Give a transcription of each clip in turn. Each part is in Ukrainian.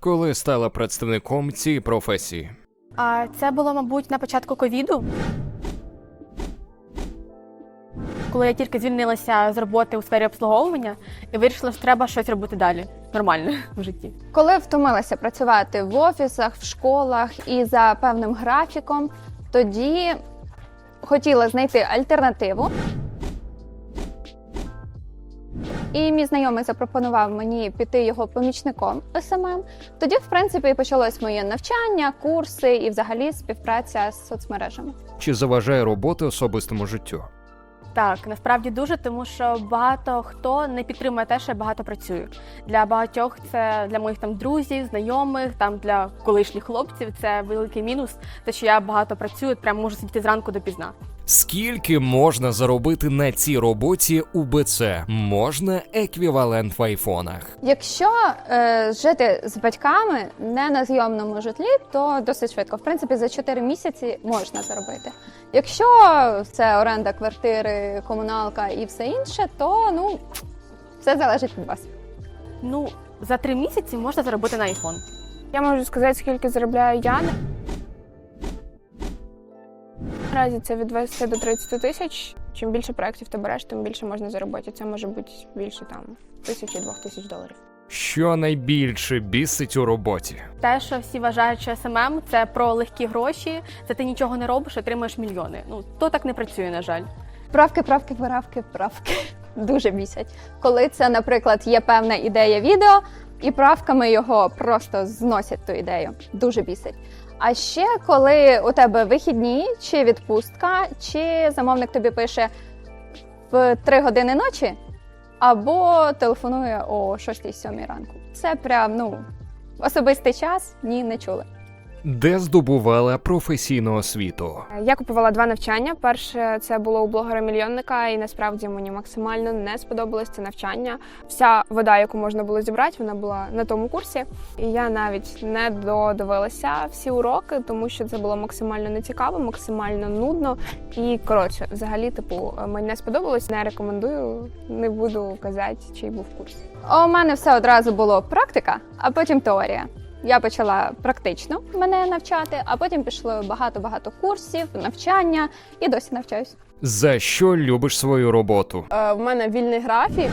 коли стала представником цієї професії? А це було, мабуть, на початку ковіду. Коли я тільки звільнилася з роботи у сфері обслуговування і вирішила, що треба щось робити далі, нормально в житті. Коли втомилася працювати в офісах, в школах і за певним графіком, тоді хотіла знайти альтернативу. І мій знайомий запропонував мені піти його помічником СММ. Тоді, в принципі, і почалось моє навчання, курси і взагалі співпраця з соцмережами. Чи заважає робота особистому життю? Так, насправді дуже, тому що багато хто не підтримує те, що я багато працюю. Для багатьох це, для моїх там друзів, знайомих, там для колишніх хлопців це великий мінус, те, що я багато працюю, прямо можу сидіти зранку допізна. Скільки можна заробити на цій роботі у БЦ? Можна еквівалент в айфонах? Якщо жити з батьками не на зйомному житлі, то досить швидко. В принципі, за 4 місяці можна заробити. Якщо це оренда квартири, комуналка і все інше, то все залежить від вас. За 3 місяці можна заробити на айфон. Я можу сказати, скільки заробляю я. Наразі це від 20 до 30 тисяч. Чим більше проєктів ти береш, тим більше можна заробити. Це може бути більше там 1000-2000 доларів. Що найбільше бісить у роботі? Те, що всі вважають, що СММ – це про легкі гроші, це ти нічого не робиш, отримаєш мільйони. То так не працює, на жаль. Правки. Дуже бісять. Коли це, наприклад, є певна ідея відео, і правками його просто зносять ту ідею. Дуже бісить. А ще, коли у тебе вихідні, чи відпустка, чи замовник тобі пише в 3 години ночі, або телефонує о 6-7 ранку. Це прям, особистий час, ні, не чули. Де здобувала професійну освіту? Я купувала 2 навчання. Перше це було у блогера-мільйонника, і насправді мені максимально не сподобалось це навчання. Вся вода, яку можна було зібрати, вона була на тому курсі. І я навіть не додивилася всі уроки, тому що це було максимально нецікаво, максимально нудно. І, взагалі, мені не сподобалось. Не рекомендую, не буду казати, чий був курс. У мене все одразу було практика, а потім теорія. Я почала практично мене навчати, а потім пішло багато курсів, навчання і досі навчаюсь. За що любиш свою роботу? В мене вільний графік.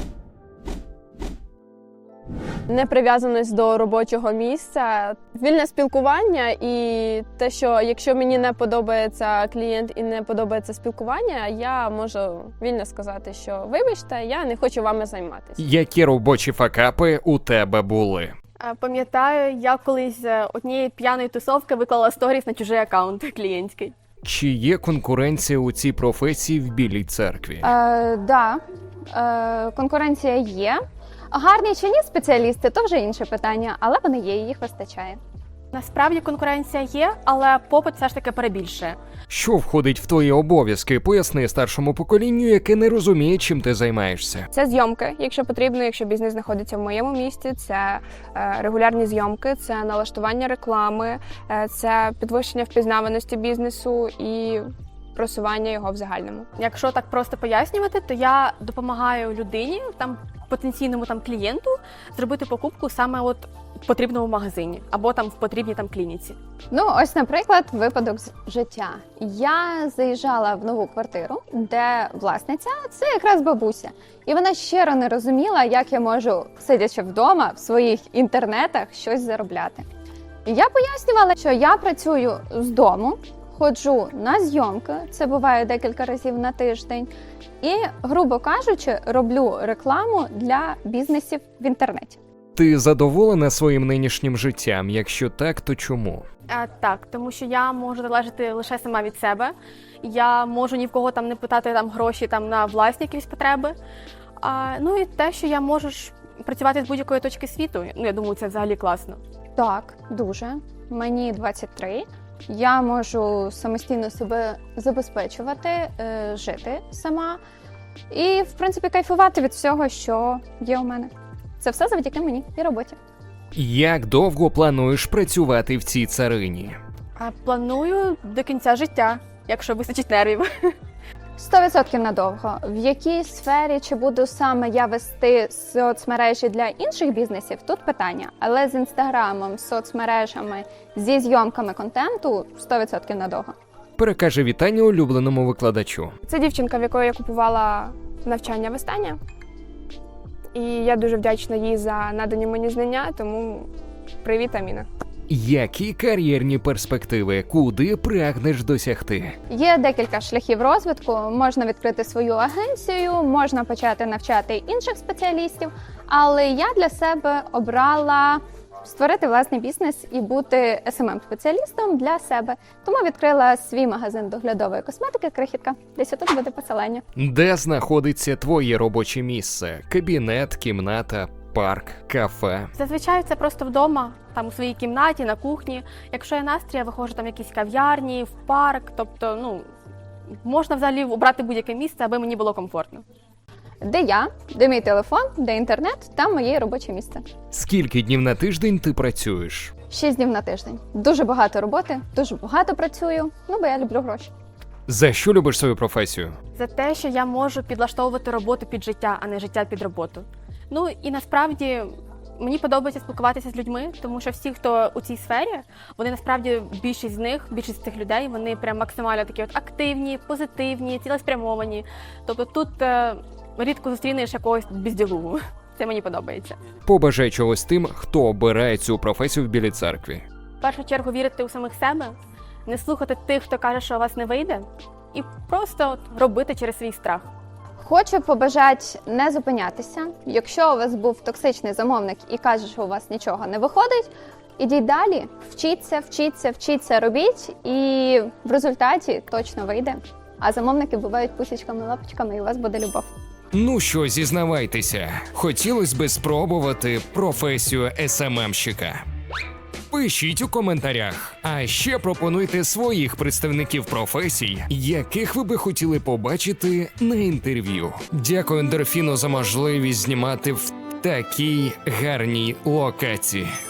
Неприв'язаність до робочого місця, вільне спілкування і те, що якщо мені не подобається клієнт і не подобається спілкування, я можу вільно сказати, що вибачте, я не хочу вами займатися. Які робочі факапи у тебе були? Пам'ятаю, я колись з однієї п'яної тусовки виклала сторіс на чужий аккаунт клієнтський. Чи є конкуренція у цій професії в Білій церкві? Конкуренція є. Гарні чи ні спеціалісти – то вже інше питання, але вони є, і їх вистачає. Насправді конкуренція є, але попит все ж таки перебільшує. Що входить в твої обов'язки? Поясни старшому поколінню, яке не розуміє, чим ти займаєшся. Це зйомки, якщо потрібно, якщо бізнес знаходиться в моєму місті, це регулярні зйомки, це налаштування реклами, це підвищення впізнаваності бізнесу і просування його в загальному. Якщо так просто пояснювати, то я допомагаю людині, потенційному клієнту, зробити покупку саме в потрібному магазині або в потрібній клініці. Ось, наприклад, випадок з життя. Я заїжджала в нову квартиру, де власниця – це якраз бабуся. І вона щиро не розуміла, як я можу, сидячи вдома, в своїх інтернетах, щось заробляти. І я пояснювала, що я працюю з дому, ходжу на зйомки, це буває декілька разів на тиждень, і, грубо кажучи, роблю рекламу для бізнесів в інтернеті. Ти задоволена своїм нинішнім життям? Якщо так, то чому? Так, тому що я можу залежати лише сама від себе. Я можу ні в кого не питати гроші на власні якісь потреби. І те, що я можу працювати з будь-якої точки світу. Я думаю, це взагалі класно. Так, дуже. Мені 23. Я можу самостійно себе забезпечувати, жити сама і, в принципі, кайфувати від всього, що є у мене. Це все завдяки мені і роботі. Як довго плануєш працювати в цій царині? Планую до кінця життя, якщо вистачить нервів. 100% надовго. В якій сфері, чи буду саме я вести соцмережі для інших бізнесів, тут питання. Але з Інстаграмом, з соцмережами, зі зйомками контенту 100% надовго. Перекаже вітання улюбленому викладачу. Це дівчинка, в якої я купувала навчання в Естані. І я дуже вдячна їй за надані мені знання, тому привіт, Аміна. Які кар'єрні перспективи? Куди прагнеш досягти? Є декілька шляхів розвитку. Можна відкрити свою агенцію, можна почати навчати інших спеціалістів, але я для себе обрала створити власний бізнес і бути SMM-спеціалістом для себе. Тому відкрила свій магазин доглядової косметики «Крихітка». Десь тут буде посилання. Де знаходиться твоє робоче місце? Кабінет, кімната, парк, кафе? Зазвичай це просто вдома, там у своїй кімнаті, на кухні. Якщо є настрій, я виходжу там в якісь кав'ярні, в парк. Тобто, можна взагалі обрати будь-яке місце, аби мені було комфортно. Де я, де мій телефон, де інтернет, там моє робоче місце. Скільки днів на тиждень ти працюєш? 6 днів на тиждень. Дуже багато роботи, дуже багато працюю, бо я люблю гроші. За що любиш свою професію? За те, що я можу підлаштовувати роботу під життя, а не життя під роботу. І насправді мені подобається спілкуватися з людьми, тому що всі, хто у цій сфері, вони насправді більшість цих людей, вони прям максимально такі активні, позитивні, цілеспрямовані. Тобто тут рідко зустрінеш якогось безділугу. Це мені подобається. Побажай чогось тим, хто обирає цю професію в Білій церкві. В першу чергу вірити у самих себе, не слухати тих, хто каже, що у вас не вийде, і просто робити через свій страх. Хочу побажати не зупинятися. Якщо у вас був токсичний замовник і каже, що у вас нічого не виходить, ідіть далі, вчіться, робіть, і в результаті точно вийде. А замовники бувають пусічками, лапочками, і у вас буде любов. Ну що, зізнавайтеся, хотілося би спробувати професію СММщика. Пишіть у коментарях, а ще пропонуйте своїх представників професій, яких ви би хотіли побачити на інтерв'ю. Дякую Ендорфіну за можливість знімати в такій гарній локації.